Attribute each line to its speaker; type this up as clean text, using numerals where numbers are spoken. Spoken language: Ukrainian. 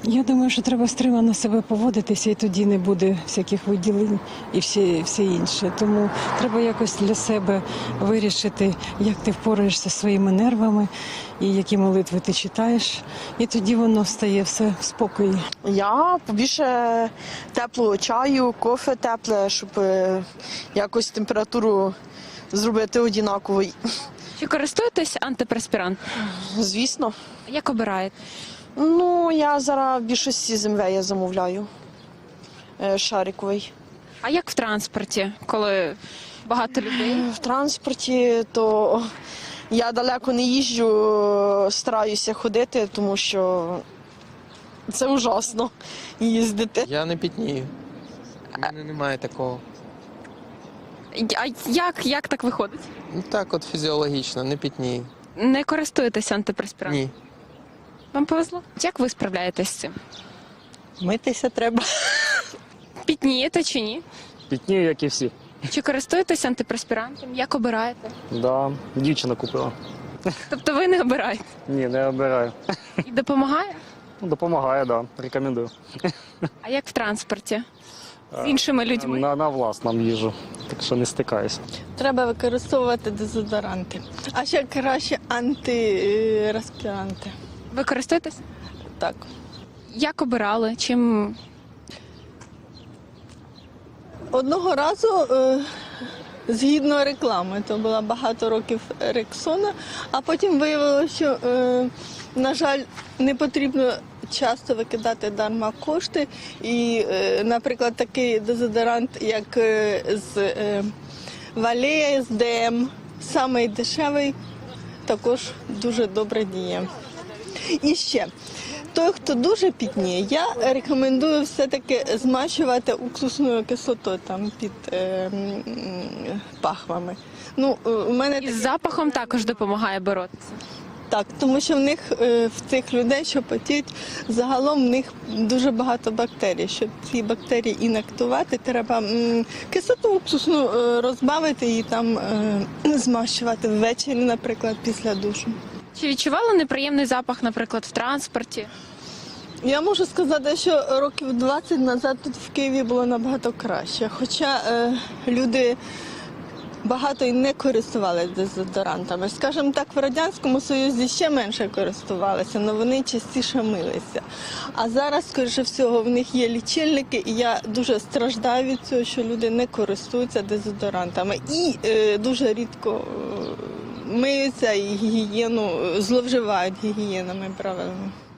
Speaker 1: Я думаю, що треба стримано себе поводитися, і тоді не буде всяких виділень і все інше. Тому треба якось для себе вирішити, як ти впораєшся зі своїми нервами і які молитви ти читаєш. І тоді воно стає все в спокої.
Speaker 2: Я побільше теплого чаю, кофе тепле, щоб якось температуру зробити однаковою.
Speaker 3: Чи користуєтесь антипреспірантом?
Speaker 2: Звісно.
Speaker 3: Як обираєте?
Speaker 2: Ну, я зараз в більшості з МВ я замовляю шариковий.
Speaker 3: А як в транспорті, коли багато людей?
Speaker 2: В транспорті то я далеко не їжджу, стараюся ходити, тому що це ужасно їздити.
Speaker 4: Я не пітнію. У мене немає такого.
Speaker 3: А як так виходить?
Speaker 4: Ну так от фізіологічно, не пітнію.
Speaker 3: Не користуєтесь антипреспірантом?
Speaker 4: Ні.
Speaker 3: Вам повезло? Як ви справляєтесь з цим?
Speaker 5: Митися треба.
Speaker 3: Пітнієте чи ні?
Speaker 6: Пітнію, як і всі.
Speaker 3: Чи користуєтесь антипреспірантом? Як обираєте?
Speaker 6: Да, дівчина купила.
Speaker 3: Тобто ви не обираєте?
Speaker 6: Ні, не обираю.
Speaker 3: І допомагає?
Speaker 6: Ну, допомагає, да, рекомендую.
Speaker 3: А як в транспорті? З іншими людьми?
Speaker 6: На власному їжу, так що не стикаюсь.
Speaker 5: Треба використовувати дезодоранти. А ще краще антиреспіранти.
Speaker 3: Ви користуєтесь?
Speaker 5: Так.
Speaker 3: Як обирали? Чим?
Speaker 5: Одного разу, згідно реклами, то було багато років Рексона, а потім виявилося, що, на жаль, не потрібно часто викидати дарма кошти. І, наприклад, такий дезодорант, як з Валея, з ДМ, самий дешевий, також дуже добре діє. І ще, той, хто дуже пітніє, я рекомендую все-таки змащувати уксусною кислотою там під пахвами. Ну, у мене
Speaker 3: І з запахом також допомагає боротися.
Speaker 5: так, тому що в них, в цих людей, що потіють, загалом в них дуже багато бактерій. Щоб ці бактерії інактувати, треба кислоту уксусну розбавити і там змащувати ввечері, наприклад, після душу.
Speaker 3: Чи відчували неприємний запах, наприклад, в транспорті?
Speaker 5: Я можу сказати, що років 20 назад тут в Києві було набагато краще. Хоча люди багато і не користувалися дезодорантами. Скажімо так, в Радянському Союзі ще менше користувалися, але вони частіше милися. А зараз, скоріше всього, в них є лічильники, і я дуже страждаю від цього, що люди не користуються дезодорантами. І дуже рідко миються і гігієну, зловживають гігієнними правилами.